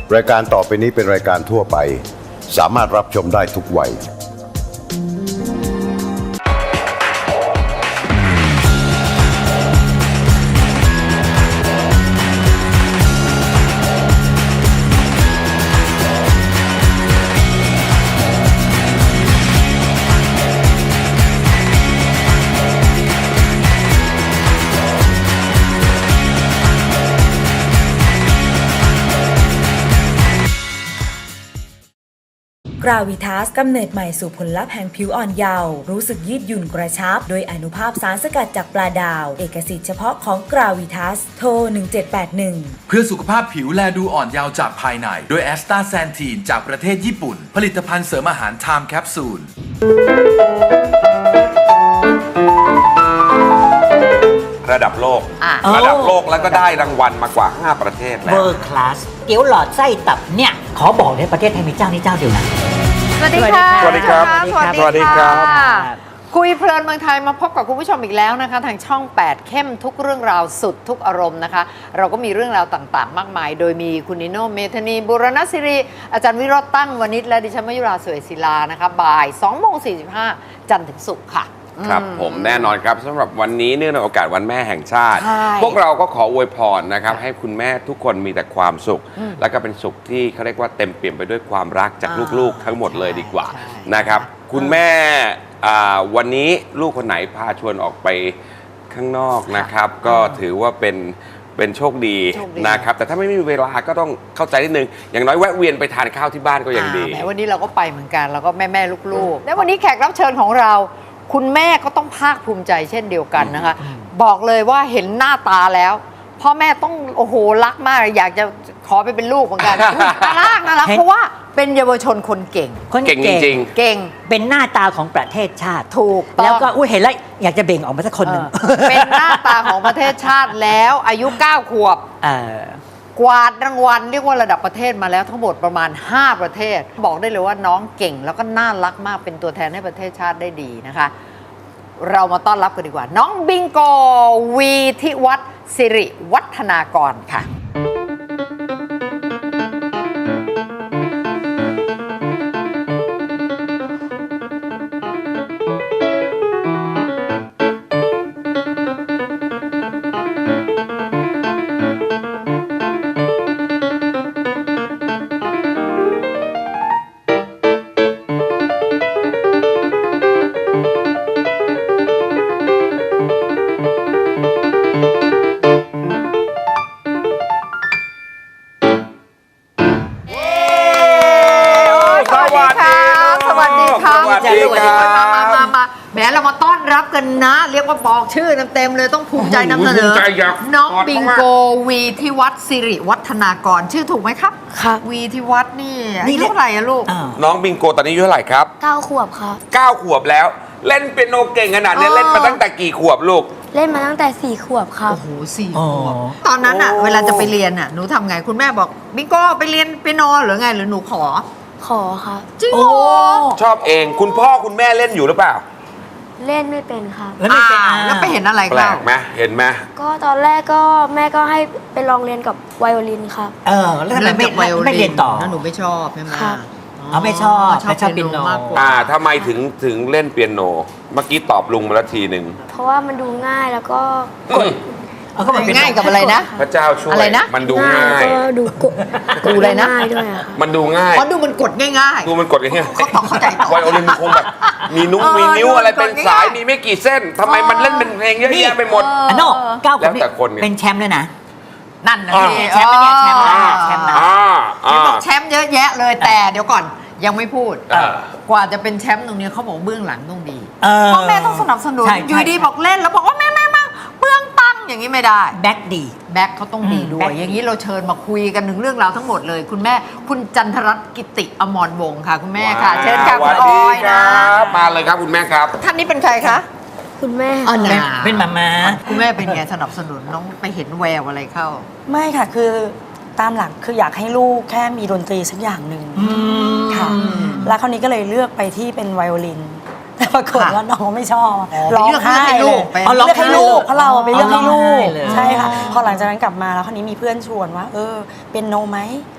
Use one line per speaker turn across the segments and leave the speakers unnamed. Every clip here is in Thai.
รายการต่อไปนี้เป็นรายการทั่วไปสามารถรับชมได้ทุกวัย
กราวิทัสกำเนิดใหม่สู่ผลลัพธ์แห่งผิวอ่อนเยาว์รู้สึกยืดหยุ่นกระชับโดยอนุภาพสารสกัดจากปลาดาวเอกสิทธิ์เฉพาะของกราวิทัสโทร1781
เพื่อสุขภาพผิวแลดูอ่อนเยาว์จากภายในโดยแอสตาแซนทีนจากประเทศญี่ปุ่นผลิตภัณฑ์เสริมอาหารไทม์แคปซูล
ระดับโลกแล้วก็ได้รางวัลมากว่า5ประเทศแล้ว
World Class เกี๊ยวหลอดไส้ตับเนี่ยขอบอกเลยประเทศไทยมีเจ้านี้เจ้าเดียวนะ
สวัสดีค่ะ
สวัสดีครับ
สวัสดีครับ
บ
คุยเพลินเมืองไทยมาพบกับคุณผู้ชมอีกแล้วนะคะทางช่อง 8 เข้มทุกเรื่องราวสุดทุกอารมณ์นะคะเราก็มีเรื่องราวต่างๆมากมายโดยมีคุณนิโนเมธานีบุรณศิริอาจารย์วิโรจน์ตั้งวณิชและดิฉันมยุราสวยศิลานะคะบ่าย 2:45 จันทร์ถึงศุกร์ค่ะ
ครับผมแน่นอนครับสำหรับวันนี้เนื่องในโอกาสวันแม่แห่งชาติ
ใช่
พวกเราก็ขออวยพรนะครับให้คุณแม่ทุกคนมีแต่ความสุข แล้วก็เป็นสุขที่เขาเรียกว่าเต็มเปี่ยมไปด้วยความรักจากลูกๆทั้งหมดเลยดีกว่านะครับคุณแม่วันนี้ลูกคนไหนพาชวนออกไปข้างนอกนะครับก็ถือว่าเป็นโชคดีนะครับแต่ถ้าไม่มีเวลาก็ต้องเข้าใจนิดนึงอย่างน้อยแวะเวียนไปทานข้าวที่บ้านก็ยังดี
แม้วันนี้เราก็ไปเหมือนกันแล้วก็แม่ลูกๆและวันนี้แขกรับเชิญของเราคุณแม่ก็ต้องภาคภูมิใจเช่นเดียวกันนะคะบอกเลยว่าเห็นหน้าตาแล้วพ่อแม่ต้องโอ้โหรักมากอยากจะขอไปเป็นลูกเหมือนกันน่ารักเพราะว่าเป็นเยาวชนคนเก่ง
คน
เก่งจริง
เก่ง
เป็นหน้าตาของประเทศชาติ
ถูกต้อง
แล้วก็เห็นแล้วอยากจะเบ่งออกมาสักคนหนึ่ง
เป็นหน้าตาของประเทศชาติแล้วอายุ 9 ขวบกวาดรางวัลเรียกว่าระดับประเทศมาแล้วทั้งหมดประมาณ 5 ประเทศ บอกได้เลยว่าน้องเก่งแล้วก็น่ารักมากเป็นตัวแทนให้ประเทศชาติได้ดีนะคะ เรามาต้อนรับกันดีกว่า น้องบิงโกวีทิวัฒน์สิริวัฒนากรค่ะมาแหมเรามาต้อนรับกันนะ เรียกว่าบอกชื่อเต็มๆเลยต้องภูมิใจนำเสนอน้องบิงโกวีทิวัฒน์สิริวัฒนากรชื่อถูกไหมครับครับวีทิวัฒน์นี่อายุเท่าไหร่อะลูก
น้องบิงโกตอนนี้อายุเท่าไหร่ครับ
9 ขวบครับ
9 ขวบแล้วเล่นเปียโนเก่งขนาดนี้เล่นมาตั้งแต่กี่ขวบลูก
เล่นมาตั้งแต่4 ขวบครับ
โอ้โห4 ขวบตอนนั้นอะเวลาจะไปเรียนอะหนูทำไงคุณแม่บอกบิงโกไปเรียนเปียโนหรือไงหรือหนูขอ
ครับ
จริงเหรอ
ชอบเองคุณพ่อคุณแม่เล่นอยู่หรือเปล่า
เล่นไม่เป็นครับ
แล้วไม่เป็น
แล้วไปเห็นอะไร
แปลกไหมเห็นไหม
ก็ตอนแรกก็แม่ก็ให้ไปลองเรียนกับไวโอลินครับ
แล้วทำไมไม่เรียนต่อ
แล้วหนูไม่ชอบใช่ไหม
ไม่ชอบเปียโน
มากกว่า
ทำไมถึงเล่นเปียโนเมื่อกี้ตอบลุงมาแล้วทีหนึ่ง
เพราะว่ามันดูง่ายแล้วก็
กดง่ายกับอะไรนะ
พระเจ้าช่วยมันดูง่าย
ก็ดูกด
อะไรนะ
ด้วยค่ะ
มันดูง่าย
เพราะดูมันกดง่าย
ดูมันกดง่าย
เขาต้องเข้าใจ
ไวโอลินมันคงแบบมีนิ้วอะไรเป็นสายมีไม่กี่เส้นทำไมมันเล่นเป็นเพลงเยอะแยะไปหมด
โน่9 คนเป็นแชมป์เลยนะ
นั่นนะ
แชมป์เนี่ยแชมป์นะ
บอกแชมป์เยอะแยะเลยแต่เดี๋ยวก่อนยังไม่พูดกว่าจะเป็นแชมป์ตรงนี้เขาบอกเบื้องหลังต้องดีพ่อแม่ต้องสนับสนุนอยู่ดีบอกเล่นแล้วบอกว่าแม่มาเบื้องตังอย่างนี้ไม่ได้
แบ็คดี
แบ็คเขาต้องดีด้วยอย่างนี้เราเชิญมาคุยกันถึงเรื่องราวทั้งหมดเลยคุณแม่คุณจันทรัตน์กิติอมรวงศ์ค่ะคุณแม่ค่ะเชิญค่ะคุณออยนะ
มาเลยครับคุณแม่ครับ
ท่านนี้เป็นใครคะ
คุณแม่
เป็นมา
คุณแม่เป็นไงสนับสนุนน้องไปเห็นแววอะไรเข้า
ไม่ค่ะคือตามหลักคืออยากให้ลูกแค่มีดนตรีสักอย่างหนึ่งค่ะแล้วคราวนี้ก็เลยเลือกไปที่เป็นไวโอลินแต่ปรากฏว่าน้องไม่ชอบ
ร้องไห้เลย
เลือกให้ลูกเพราะเราไปเลือกให้ลูกใช่ค่ะพอหลังจากนั้นกลับมาแล้วคราวนี้มีเพื่อนชวนว่าเป็นโนไหมป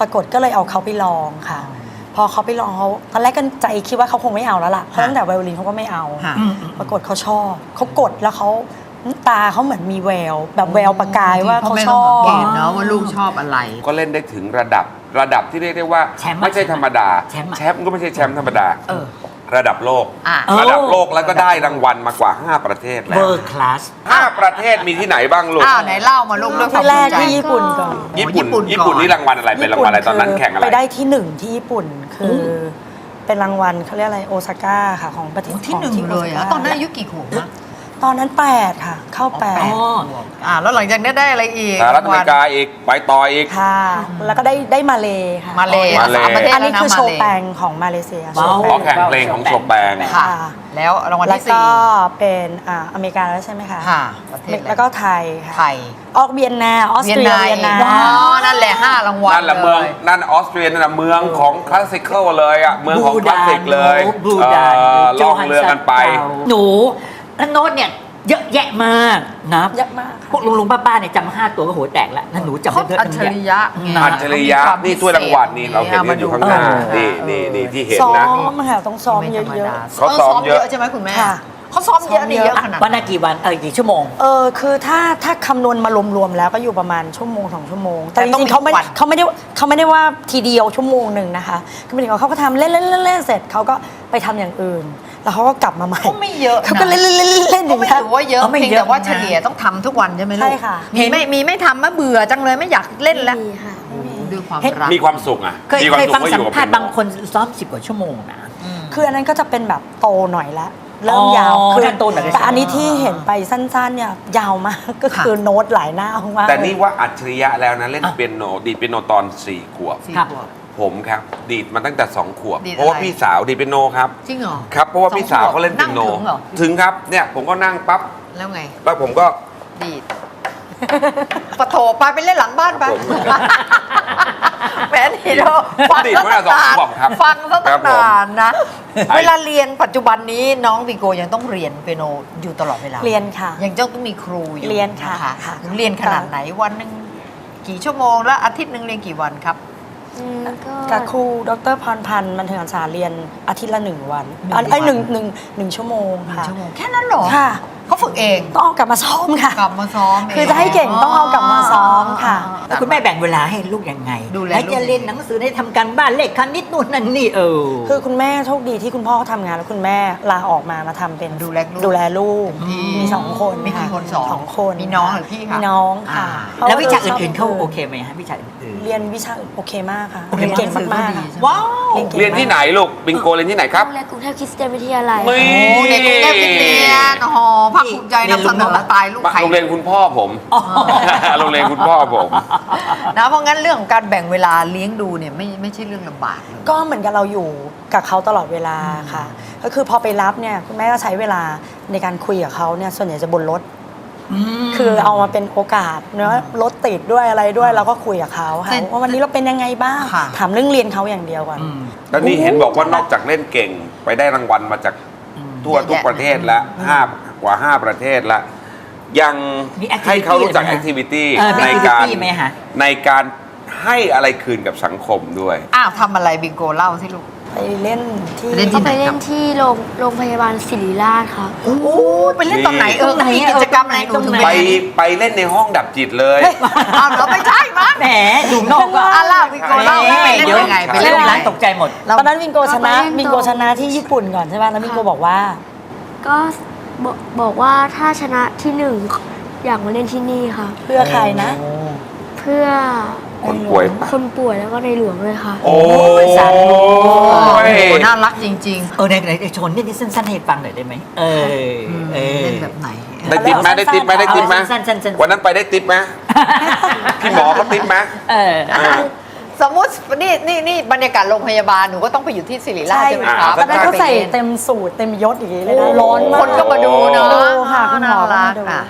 ปรากฏก็เลยเอาเขาไปลองค่ะ พอเขาไปลองเขาตอนแรกก็ใจคิดว่าเขาคงไม่เอาแล้วล่ะเพราะตั้งแต่ไวโอลินเขาก็ไม่เอา ปรากฏเขาชอบเขากดแล้วเขาตาเขาเหมือนมีแววแบบแววประกายว่าเขาชอบ
เห็นเนาะว่าลูกชอบอะไร
ก็เล่นได้ถึงระดับที่เรียกได้ว่า
แชมป์
ไม่ใช่ธรรมดา
แชมป์อะ
แชมป์ก็ไม่ใช่แชมป์ธรรมดา ระดับโลก
อ่ะ
ระดับโลกแล้วก็ได้รางวัลมากว่า 5 ประเทศแล้ว
World Class
5 ประเทศมีที่ไหนบ้างลูก
อ้าวไหนเล่ามาลูกด้วยความ
ที่แรก
ภูมิใจ
ที่ญี่ปุ่นก่อน
ญี่ปุ่น
ก่อน
ญี่ปุ่นนี่รางวัลอะไรเป็นรางวัลอะไรตอนนั้นแข่งอะไร
ไปได้ที่ 1ที่ญี่ปุ่นคือเป็นรางวัลเขาเรียกอะไรโอซาก้าค่ะของประเทศ
ที่หนึ่ง
ของ
เลยอะ
โซก้
ตอนนั้นอายุกี่ขวบนะ
ตอนนั้น8ค่ะเข้า
อ๋อ
แล้วหลังจากนั้นได้อะไรอีก
สหรัฐอเมริกาอีกไปต่ออีก
8ค่ะ แล้วก็ได้มาเลค่ะ
มาเลย
มาเล
สามประเทศ
อันนี้
แล้วนะ
คือโช
มา
ว์
เล
แปงของมาเลเซีย
ว้าว
เพราะแข่งเพลงของโชแปง
ค่ะ แล้วรางวัล
แล้ว
ที่สี่
ก็เป็นอเมริกาแล้วใช่ไหมคะ
ค่ะประเทศอะไร
แล้วก็ไทยค่ะ
ไทย
ออกเวียนนาออสเตรียเวียนนา
ว้าวนั่นแหละ5รางวัล
นั่นแหละเมือง
ลย
นั่นออสเตรียนั่นแหละเมืองของคลาสสิคอลเลยอ่ะเมืองของคลาสสิกเลย
บูดาน
ล่องเรือกันไป
หนูแล้วโน้ตเนี่ยเยอะแยะมากนะ
เยอะมาก
พวกลุงป้าๆเนี่ยจำ5 ตัวก็หัวแตกแล้วนั่นหนูจำ
เขา
ได้เยอะ
อัจฉริยะไง
อัจฉริยะนี่ถ้วยรางวัลนี่เราเห็นกันอยู่ข้างหน้านี่ที่เห็น
ซ้อ
นะ
มค่ะต้องซ้อม
ไม่
เย
ธรรม
อะ
ดา
เขาซ้อมเยอะ
ใช่ไหมคุณแม่
ค่ะ
เขาซ้อมเยอะนี่เยอะขนาด
วันละกี่วันกี่ชั่วโมง
ๆคือถ้าคำนวณมารวมๆแล้วก็อยู่ประมาณชั่วโมง2 ชั่วโมง แต่
แต่
จ
ต้อง
ริงๆเขาไม่
มีวัน
เขาไม่ได้ว่าทีเดียวชั่วโมงหนึ่งนะคะคือหมายถึงว่าเขาก็ทำเล่นๆๆๆเสร็จเขาก็ไปทำอย่างอื่น แล้วเขาก็กลับมาใหม่
ก็ไม่เยอะนะ
เขาก็เล่นๆๆๆอ
ก็
ย่าง
ไม่
เงี้ย
ถือว่าเยอะ
ไม่
เพียง
เยอะ
แต่ว่า
นะ
เฉลี่ยต้องทำทุกวันใช่ไหมลูก
ใช่ค่ะ
มีไม่ทำมะเบื่อจังเลยไม่อยากเล่นแล้ว
มีค่ะ
ด้วยความ
เห็น
รัก
มีความสุขอ่ะ
เคย
มีความ
เคย
สุข
ฟัง
ว่าอ
สัม
ยู่กับ
ภาษณ์บางคนซ้อม10 กว่าชั่วโมงนะ
คืออันนั้นก็จะเป็นแบบโตหน่อยละเริ่มยาว
อ๋อ
ขึ้น
ถ้าโตหน่อยก็
แต่อันนี้ที่เห็นไปสั้นๆเนี่ยยาวมากก็คือโน้ตหลายหน้ามาก
แต่นี่ว่าอัจฉริยะแล้วนะเล่นเปียโนดีดเปียโนตอน4 ขวบ
สี่
ครับ
ขวบ
ผมครับ ดีดมาตั้งแต่ 2 ขวบ
ดีดอะไร
เพราะว่าพี่สาวดีดเปียโนครับ
จริงเหรอ
ครับเพราะว่าพี่สาวเขาเล่น
นั่
เปี
ง
ยโน
ถึงเหรอ
ถึงครับเนี่ยผมก็นั่งปั๊บ
แล้วไง
แล้วผมก็
ดีดปะโถไปเล่นหลังบ้านไป
ผม
แหมนี่เราฟัง
ดีด
ซะ
มาตั้งแต่
ตั้งนาน
2 ขวบครับ
ฟังซะ
ครั
ตั้
บ
ง
ผม
นานนะ
ไอ้
เวลาเรียนปัจจุบันนี้น้องวิโกยังต้องเรียนเปียโนอยู่ตลอดเวลา
เรียนค่ะ
ยังต้องมีครูอยู่
เรียนค่ะ
น
ค่ะ
เรียนขนาดไหนวันหนึ่งกี่ชั่วโมงแล้วอาทิตย์หนึ่งเรียนกี่วันครับ
ก็
กับครูดรพรพันธ์บันเทิงอักษรเรียนอาทิตย์ละ1 วัน
1 วัน
หนึ่งชั่วโมงค่ะ
ชั่วโมงแค่นั้นเหรอ
ค่ะ
เขาฝึกเอง
ต้องเอากลับมาซ้อมค่ะ
กลับมาซ้อมเง
คือจะให้เก่งต้องเอากลับมาซ้อมค่ะ
แล้วคุณแม่แบ่งเวลาให้ลูกยังไง
ดูแล
ให้
ลูก
จะเรียนหนังสือได้ทำการบ้านเลขคณิตนู่นนั่นนี่
คือคุณแม่โชคดีที่คุณพ่อเขาทำงานแล้วคุณแม่ลาออกมาทำเป็น
ดูแลลูก
ดูแลลูก
ดี
มี2 คน
มีกี่คนสอง
สองคน
มีน้องหรือพี่คะ
มีน้องค่ะ
แล้ววิชา
พระ
อื่นๆเขา
ชบ
โอเคไหมฮะวิชาอื่น
เรียนวิชาอื่นโอเคมากค่ะ
โอเค
เรียนเก่ง
หนังสือ
มาก
ก็ดี
ๆ
ใช่
ค่ะ
ไหม
ว้าว
เก่ง
เรียนที่ไหนลูกบิงโกเรียนที่ไหนครับ
โรงเรียนกรุงเทพคริสเตียนวิทยาลัย
นี่
โอ้เด็กกรุงเทพคริสเตียนโอ้โหภาคภูมิใจนำเสนอตายลูกไข่
โรงเรียนคุณพ่อผม โรงเรียนคุณพ่อผม
นะเพราะงั้นเรื่องของการแบ่งเวลาเลี้ยงดูเนี่ยไม่ใช่เรื่องลำบากเลย
ก็เหมือนกับเราอยู่กับเขาตลอดเวลาค่ะ ก็คือพอไปรับเนี่ยคุณแม่ก็ใช้เวลาในการคุยกับเขาเนี่ยส่วนใหญ่จะบนรถ คือเอามาเป็นโอกาสเนอะรถติดด้วยอะไรด้วยเราก็คุยกับเขาค่ะ
เช่น
ว่าวันนี้เราเป็นยังไงบ้าง
ค่ะ
ถามเรื่องเรียนเขาอย่างเดียวก่อน
แล้วนี่เห็นบอกว่านอกจากเล่นเก่งไปได้รางวัลมาจากทั่วทุกประเทศแล้วกว่า 5 ประเทศแล้ว ยัง
มี activity
ให้เขารู้จัก
ไหม
แอ
ฮะ
คทิวิตี้
มี
ในการ
activity ไหมฮะ
ในการให้อะไรคืนกับสังคมด้วย
อ้าวทำอะไรบิงโกเล่าสิลูก
ไปเล่นที่
ไปเล่น
ก็ไปเล่นที่โรงพยาบาลศิริราชครับ
โอ้ไปเล่นตอนไหนมีกิจกรรมอะไรหนูถึง
ไปเล่นในห้องดับจิตเลย
อ้าวเหรอไม่ใช่มั้ง
แหมดูนอกก็
อ่ะเล่าบิงโกเล่าว่าไปเล่นยังไงไป
ไป
เล่
เล่
น
น
ยังไง
ร้านตกใจหมด
ตอนนั้นวิงโกชนะ
ก็ไปเล่น
วิงโกชนะที่ญี่ปุ่นก่อนใช่ไหมแล้ววิงโกบอกว่า
ก็บอกว่าถ้าชนะที่หนึ่งอยากมาเล่นที่นี่ค่ะ
เพื่อใครนะ
เพื่อ
คนป่วยปะ
คนป่วยแล้วก็ในหลวงเลยค่ะ
โอ้ย
สาธุ
โอ้น่ารักจริง
ไหนโชว์นิดสั้นๆให้ฟังหน่อยได้ไหม
ๆเล่นแบบไหน
ได้ติ๊บไหมได้ติ๊บไหมได้ติ๊บไหม
สั้นๆ
วันนั้นไปได้ติ๊บไหมพี่หมอเขาติ๊บไหม
สมมุตินี่บรรยากาศโรงพยาบาลหนูก็ต้องไปอยู่ที่ศิริราชใช่ไหมครับ
ตอนนั้นเขาใส่เต็มสูตรเต็มยศอย่างนี้เลยนะ
โอ้
ร้อนมาก
คนก็มาดูเนอะ
ดูค่ะคุณหมอก็
น่ารั
มาก ดู
อ่ะ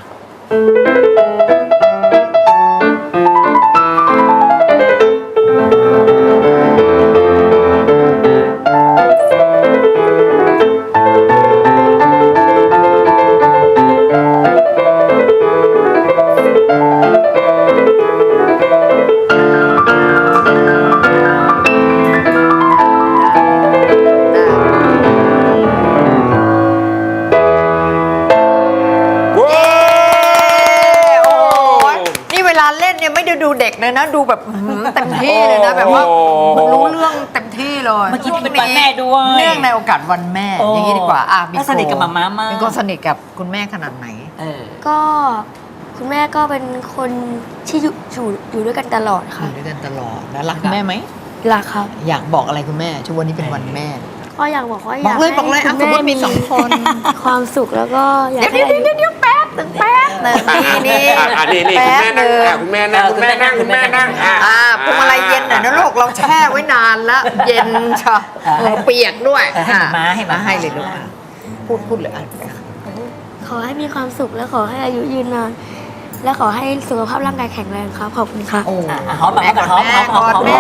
วลาเล่นเนี่ยไม่ได้ดูเด็กเลยนะ ดูแบบเต็มที่เลยนะ แบบว่ารู้เรื่องเต็มที่เลย
เมื่อกี้เป็นวันแม่ด้วย
เนื่องในโอกาสวันแม่ อย่างนี้ดีกว่าบิง
แล้ว
โก
สนิทกับหม่าม้ามาก
เป็นคนสนิทกับคุณแม่ขนาดไหน
ก็คุณแม่ก็เป็นคนที่อยู่ด้วยกันตลอด
อ
ค่ะ
ยู่ด้วยกันตลอดนะรักแม่ไหม
รักครับ
อยากบอกอะไรคุณแม่ช่วงวันนี้เป็นวันแม่
ก็อยากบอกว่า
บ
อยา
อก กเลย
ให้
บอกเลย
คุณ
สมม
แม่
ติมี
มี
2 คน
ความสุขแล้วก็อยาก
เดี๋ยว
ให้อายุ
เดี๋ยวแป๊บนึงแป๊บนึงนี่
นี่คุณแม่นั่งคุณแม่นั่งคุณแม่นั่ง
พวงมาลัยเย็นหน่อยนะลูกเราแช่ไว้นานแล้ว เย็นชะเปียกด้วย
ให้ม้าให้ม้า
ให้เลยลูกพูดเลย
ขอให้มีความสุขและขอให้อายุยืนนาน และขอให้สุขภาพร่างกายแข็งแรงครับขอบคุณค่ะ
โอ้
หอมแบบ
หอมกอดแม่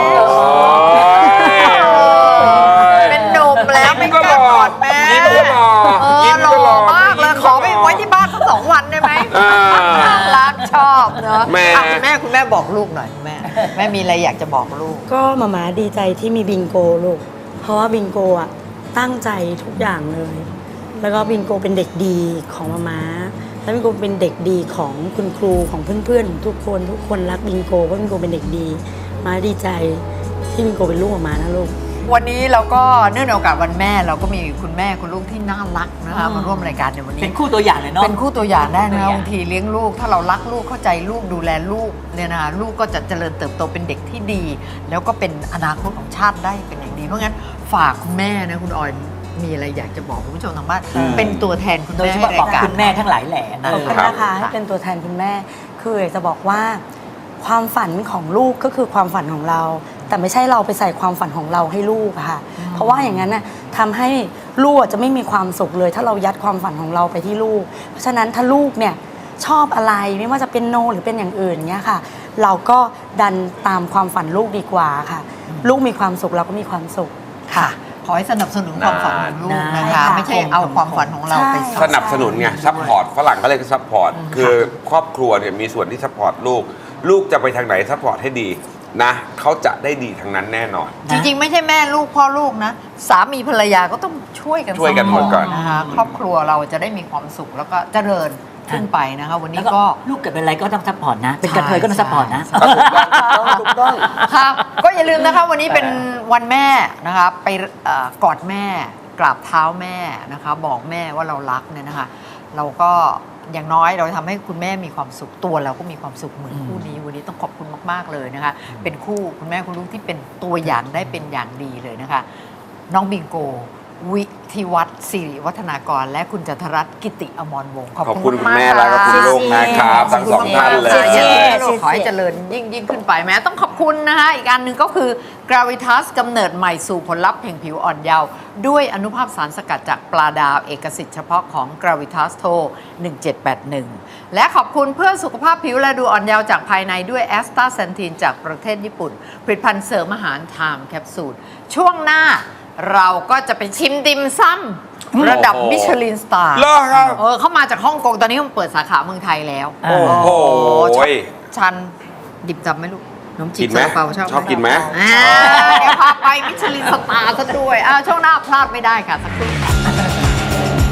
เป็นหนุ่มแล้วไม่กล้ากอดแม่
ยิ้มก็หล่อยิ้ม
หล่
ก็หล่อ
อมากเลยขอไปไว้ที่บ้านสัก2 วันได้ไหมรักชอบเนอะ
แม่
คุณแม่บอกลูกหน่อยแม่มีอะไรอยากจะบอกลูก
ก็มาม่าดีใจที่มีบิงโกลูก เพราะว่าบิงโกอ่ะตั้งใจทุกอย่างเลย แล้วก็บิงโกเป็นเด็กดีของมาม่าแล้วบิงโกเป็นเด็กดีของคุณครูของเพื่อนๆทุกคนรักบิงโกเพราะบิงโกเป็นเด็กดีมาดีใจที่บิงโกเป็นลูกมาม่านะลูก
วันนี้เราก็เนื่องในโอกาสวันแม่เราก็มีคุณแม่คุณลูกที่น่ารักนะคะมาร่วมรายการในวันนี้
เป็นคู่ตัวอย่างเลยเนาะ
เป็นคู่ตัวอย่างได้นะ
ตัวอย่าง
บางทีเลี้ยงลูกถ้าเรารักลูกเข้าใจลูกดูแลลูกเนี่ยนะคะลูกก็จะเจริญเติบโตเป็นเด็กที่ดี แล้วก็เป็นอนาคตของชาติได้เป็นอย่างดีเพราะงั้นฝากคุณแม่นะคุณออยมีอะไรอยากจะบอกคุณผู้ชมทางบ้านเป็นตัวแทนคุณ
โดย
แม่
เฉ
ให้
พาะบอก
รายการ
คุณแม่ทั้งหลายแหล่
ขอบคุณนะคะให้เป็นตัวแทนคุณแม่ คืออยากจะบอกว่าความฝันของลูกก็คือความฝันของเรา แต่ไม่ใช่เราไปใส่ความฝันของเราให้ลูกอะค่ะ เพราะว่าอย่างนั้นน่ะทำให้ลูกจะไม่มีความสุขเลย ถ้าเรายัดความฝันของเราไปที่ลูก เพราะฉะนั้นถ้าลูกเนี่ยชอบอะไรไม่ว่าจะเป็นโนหรือเป็นอย่างอื่นเงี้ยค่ะ เราก็ดันตามความฝันลูกดีกว่าค่ะ ลูกมีความสุขเราก็มีความสุขค่ะ
ขอให้สนับสนุนความฝันของลูกนะ
ใช่
คะ
ค่ะ
ไม่ใช่เอาความฝันของเราไป
สนับสนุนไงซัพพอร์ตฝรั่งเขาเรียกซัพพอร์ตคือครอบครัวเนี่ยมีส่วนที่ซัพพอร์ตลูกจะไปทางไหนซัพพอร์ตให้ดีนะเขาจะได้ดีทางนั้นแน่นอน
จริงๆ ไม่ใช่แม่ลูกพ่อลูกนะ สามีภรรยาก็ต้องช่วยกัน
ช่วยกันหมดก่อน
นะคะครอบครัวเราจะได้มีความสุขแล้วก็เจริญขึ้นไปนะคะวัน
แล้
นี้
วก็
ก็
ลูกเกิดเป็นอะไรก็ต้องซัพพอร์ตนะ เป็นกระเทยก็ต้องซัพพอร์ตนะ
ถูกต้อง
ครับก็อย่าลืมนะคะวันนี้เป็นวันแม่นะคะไปกอดแม่กราบเท้าแม่นะคะบอกแม่ว่าเรารักเนี่ยนะคะเราก็อย่างน้อยเราทำให้คุณแม่มีความสุขตัวเราก็มีความสุขเหมือนคู่นี้วันนี้ต้องขอบคุณมากๆเลยนะคะเป็นคู่คุณแม่คุณลูกที่เป็นตัวอย่างได้เป็นอย่างดีเลยนะคะน้องบิงโกวิทิวัฒน์สิริวัฒนากรและคุณจันทรัตน์กิติอมรวงศ์
ขอบคุณคุณแม่และก็คุณลูกนะครับทั้งสองท่านเลย
ขอให้เจริญยิ่งขึ้นไปแม้ต้องขอบคุณนะคะอีกอันหนึ่งก็คือ Gravitas กำเนิดใหม่สู่ผลลัพธ์แห่งผิวอ่อนเยาว์ด้วยอนุภาพสารสกัดจากปลาดาวเอกสิทธิ์เฉพาะของ Gravitas โทร 1781 และขอบคุณเพื่อสุขภาพผิวและดูอ่อนเยาว์จากภายในด้วยแอสตาเซนทีนจากประเทศญี่ปุ่นผลิตภัณฑ์เสริมอาหารไทม์แคปซูลช่วงหน้าเราก็จะไปชิมดิมซ้ำระดับมิชลินสตาร์
เหรอครับ
เขามาจากฮ่องกงตอนนี้มันเปิดสาขาเมืองไทยแล้ว
โอ้
โห
ชันดิบจับไหมลูกขนมจี
กิ
บ
นไหม
ซาลาเปา
ชอบกินไหม
เดี๋ยวพาไปมิชลินสตาร์ซะด้วยช่วงหน้าพลาดไม่ได้ค่ะสักครู่